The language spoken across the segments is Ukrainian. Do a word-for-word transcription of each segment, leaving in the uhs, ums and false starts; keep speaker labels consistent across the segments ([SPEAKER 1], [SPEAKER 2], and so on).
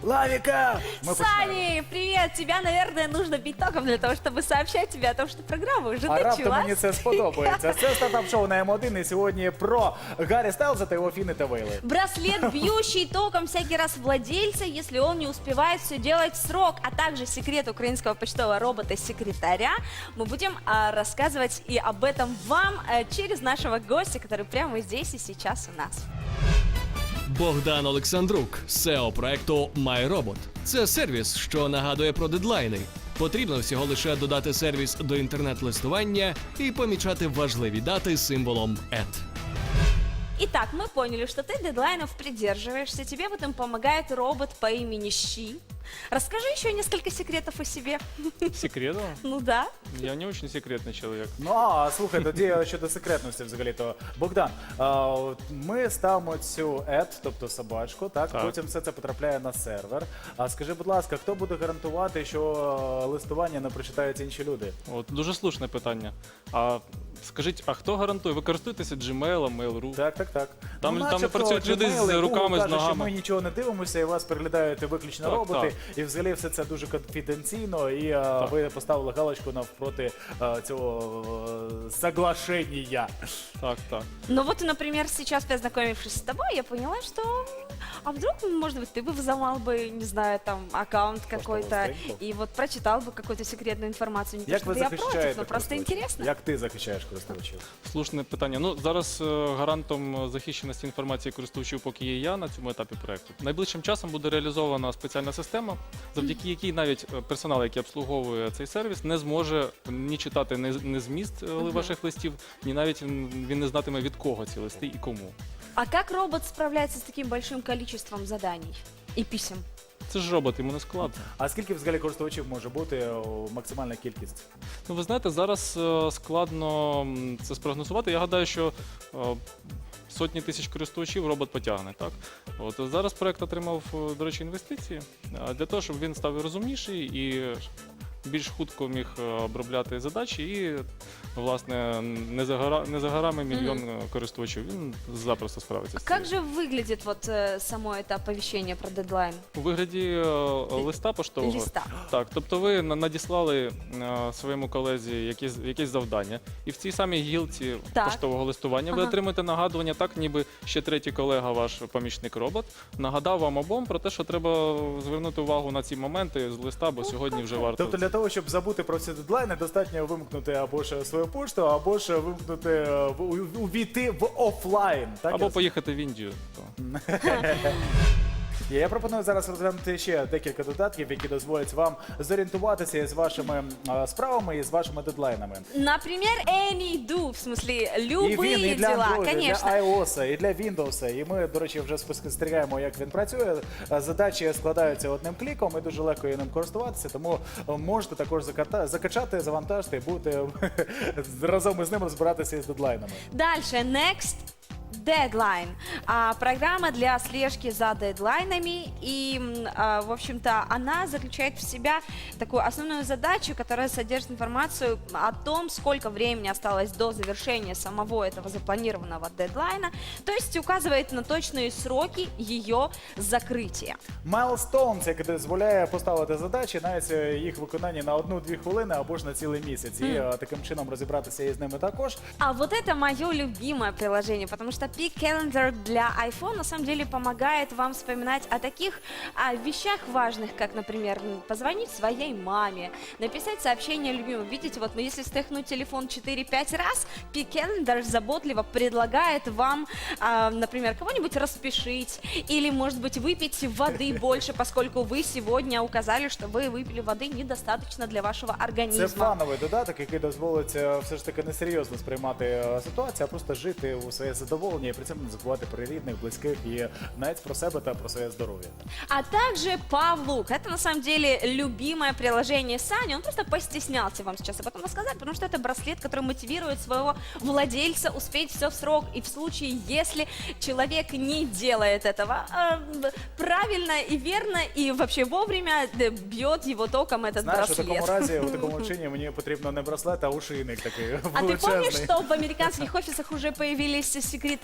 [SPEAKER 1] Лавіка! Ми починаємо.
[SPEAKER 2] Сани, привет! Тебя, наверное, нужно бить током для того, чтобы сообщать тебе о том, что программа уже
[SPEAKER 1] А раптом
[SPEAKER 2] началась.
[SPEAKER 1] мені це сподобається. Це стартап-шоу на М один, і сьогодні про Гаррі Стайлза та його фіни та вейли.
[SPEAKER 2] Браслет, бьющий током всякий раз владельца, если он не успевает все делать в срок, а также секрет украинского почтового робота-секретаря. Мы будем а, рассказывать и об этом вам а, через нашего гостя, который прямо здесь и сейчас у нас.
[SPEAKER 3] Богдан Олександрук, сео проекту MyRobot. Це сервіс, що нагадує про дедлайни. Потрібно всього лише додати сервіс до інтернет-листування і помічати важливі дати символом «ет».
[SPEAKER 2] Итак, мы поняли, что ты дедлайнов придерживаешься, тебе в этом помогает робот по имени Щи. Расскажи еще несколько секретов о себе.
[SPEAKER 4] Секретов?
[SPEAKER 2] Ну да.
[SPEAKER 4] Я не очень секретный человек.
[SPEAKER 1] Ну, а слухай, тоді щодо секретності взагалі-то. Богдан, а, от ми ставимо цю ет, тобто собачку, так?
[SPEAKER 4] Так.
[SPEAKER 1] Потім все це потрапляє на сервер. А скажи, будь ласка, хто буде гарантувати, що е, листування не прочитають інші люди?
[SPEAKER 4] От дуже слушне питання. А скажіть, а хто гарантує? Ви користуєтеся Gmail, Mail.ru?
[SPEAKER 1] Так, так, так.
[SPEAKER 4] Там- там
[SPEAKER 1] начебто,
[SPEAKER 4] працюють люди з
[SPEAKER 1] Gmail і Google
[SPEAKER 4] руками, з
[SPEAKER 1] кажуть, що
[SPEAKER 4] ногами.
[SPEAKER 1] ми нічого не дивимося, і вас переглядають виключно
[SPEAKER 4] Так,
[SPEAKER 1] роботи.
[SPEAKER 4] так.
[SPEAKER 1] І взагалі все це дуже конфіденційно, і е, ви поставили галочку навпроти е, цього е, соглашення.
[SPEAKER 4] Так, так.
[SPEAKER 2] Ну вот, например, сейчас познакомившись с тобой, я поняла, что а вдруг, может быть, ты бы взломал бы, не знаю, там, аккаунт какой-то
[SPEAKER 1] страничку?
[SPEAKER 2] и вот прочитал бы какую-то секретную информацию. Не то,
[SPEAKER 1] Як
[SPEAKER 2] что
[SPEAKER 1] ви
[SPEAKER 2] я против,
[SPEAKER 1] захищаєте
[SPEAKER 2] но просто
[SPEAKER 1] користувачів?
[SPEAKER 2] интересно.
[SPEAKER 1] Як ти захищаєш користувачів?
[SPEAKER 4] Слушне питання. Ну зараз е, гарантом захищеності інформації користувачів поки є я на цьому етапі проекту. Найближчим часом буде реалізована спеціальна система, завдяки якій навіть е, персонал, який обслуговує цей сервіс, не зможе ні читати ні, ні зміст е, ваших листів, ні навіть м, він не знатиме від кого ці листи і кому.
[SPEAKER 2] А как робот справляется с таким большим количеством заданий и писем?
[SPEAKER 4] Це ж робот, йому не складно.
[SPEAKER 1] А скільки взагалі користувачів може бути о, максимальна кількість?
[SPEAKER 4] Ну, ви знаєте, зараз е, складно м, це спрогнозувати. Я гадаю, що е, сотні тисяч користувачів робот потягне. Так? От, зараз проект отримав, е, до речі, інвестиції е, для того, щоб він став розумніший і більш хутко міг е, обробляти задачі і, власне, не за, гора, не за горами мільйон е, користувачів. Він запросто справиться з цим.
[SPEAKER 2] Как же выглядит вот э, само это оповещение про дедлайн?
[SPEAKER 4] У вигляді е, листа поштового.
[SPEAKER 2] Листа.
[SPEAKER 4] Так, тобто ви на- надіслали е, своєму колезі якесь, якесь завдання, і в цій самій гілці
[SPEAKER 2] Так.
[SPEAKER 4] поштового листування ви
[SPEAKER 2] Ага.
[SPEAKER 4] отримаєте нагадування, так ніби ще третій колега, ваш помічник-робот, нагадав вам обом про те, що треба звернути увагу на ці моменти з листа, бо сьогодні вже варто.
[SPEAKER 1] Тобто для того, щоб забути про ці дедлайни, достатньо вимкнути або ж свою пошту, або ж вимкнути, е, в- у- увійти в офлайн. Так,
[SPEAKER 4] Або
[SPEAKER 1] я
[SPEAKER 4] поїхати в Індію. То.
[SPEAKER 1] Я пропоную зараз розглянути ще декілька додатків, які дозволять вам зорієнтуватися із вашими е, справами і з вашими дедлайнами.
[SPEAKER 2] Например, AnyDo, в смысле,
[SPEAKER 1] І
[SPEAKER 2] любые
[SPEAKER 1] він і для
[SPEAKER 2] дела,
[SPEAKER 1] Android, і
[SPEAKER 2] конечно.
[SPEAKER 1] для iOS, і для Windows. І ми, до речі, вже спостерігаємо, як він працює. Е, Задачі складаються одним кліком, і дуже легко є ним користуватися, тому е, можете також заката- закачати, завантажити і будете разом із ним розбиратися із дедлайнами.
[SPEAKER 2] Дальше, Next Deadline. А, программа для слежки за дедлайнами. И, м, а, в общем-то, она заключает в себя такую основную задачу, которая содержит информацию о том, сколько времени осталось до завершения самого этого запланированного дедлайна. То есть указывает на точные сроки ее закрытия.
[SPEAKER 1] Milestones, який дозволяє поставити задачі, навіть е, їх виконання на одну-дві хвилини або ж на цілий місяць. І е, таким чином розібратися із ними також.
[SPEAKER 2] А вот это мое любимое приложение, потому что Peak Calendar для iPhone на самом деле помогает вам вспоминать о таких а, вещах важных, как, например, м, позвонить своей маме, написать сообщение любимому. Видите, вот, ну, если стряхнуть телефон четыре-пять раз, Peak Calendar заботливо предлагает вам, а, например, кого-нибудь распишить или, может быть, выпить воды больше, поскольку вы сегодня указали, что вы выпили воды недостаточно для вашого
[SPEAKER 1] Це
[SPEAKER 2] организма.
[SPEAKER 1] фановий додаток, який дозволить е, все ж таки несерйозно сприймати е, ситуацію, а просто жити у своє задоволення і при цьому не забувати про рідних, близьких і навіть про себе та про своє здоров'я.
[SPEAKER 2] А также Pavlook. Это на самом деле любимое приложение Сани. Он просто постеснялся вам сейчас об этом рассказать, потому что это браслет, который мотивирует своего владельца успеть все в срок. И в случае, если человек не делает этого э, правильно и верно, и вообще вовремя, да, бьет его током этот
[SPEAKER 1] Знаєш, у
[SPEAKER 2] браслет.
[SPEAKER 1] такому разі, у такому чині мені потрібно не браслет, а ушийник такий
[SPEAKER 2] А ты помнишь,
[SPEAKER 1] величезний.
[SPEAKER 2] что в американских офисах уже появились секретари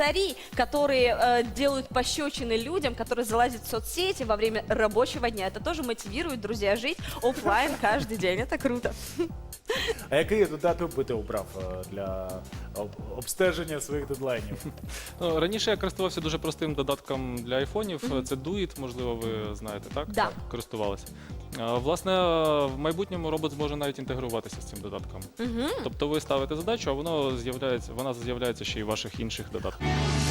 [SPEAKER 2] секретари, которые э, делают пощечины людям, которые залазят в соцсети во время рабочего дня. Это тоже мотивирует, друзья, жить оффлайн каждый день. Это круто.
[SPEAKER 1] А який додаток би ти обрав е, для об- обстеження своїх дедлайнів?
[SPEAKER 4] Ну, раніше я користувався дуже простим додатком для айфонів. Це Duet, можливо, ви знаєте, так?
[SPEAKER 2] Да.
[SPEAKER 4] Користувалися. А, Власне, в майбутньому робот зможе навіть інтегруватися з цим додатком. Тобто ви ставите задачу, а воно з'являється, вона з'являється ще й в ваших інших додатках.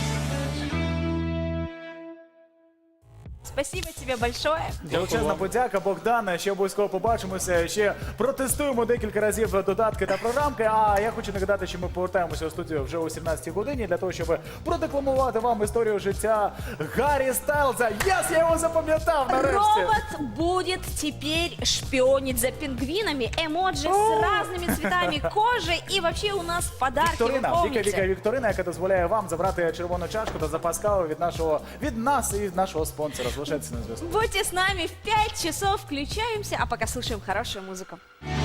[SPEAKER 2] Спасибо тебе большое.
[SPEAKER 1] Величезна подяка, Богдане. Ще обов'язково побачимося. Ще протестуємо декілька разів додатки та програмки. А я хочу нагадати, що ми повертаємося у студію вже о сімнадцятій годині для того, щоб продекламувати вам історію життя Гаррі Стайлза. Єс, я його запам'ятав нарешті.
[SPEAKER 2] Робот будет теперь шпионить за пингвинами, эмоджи с разными цветами кожи, и вообще у нас подарки, вы
[SPEAKER 1] Вікторина, Віка
[SPEAKER 2] помните.
[SPEAKER 1] Віка Вікторина, яка дозволяє вам забрати червону чашку та запас кави від нашого від нас і від нашого спонсора. Залишайтеся на зв'язку.
[SPEAKER 2] Будьте с нами в пять часов, включаемся, а пока слушаем хорошую музыку.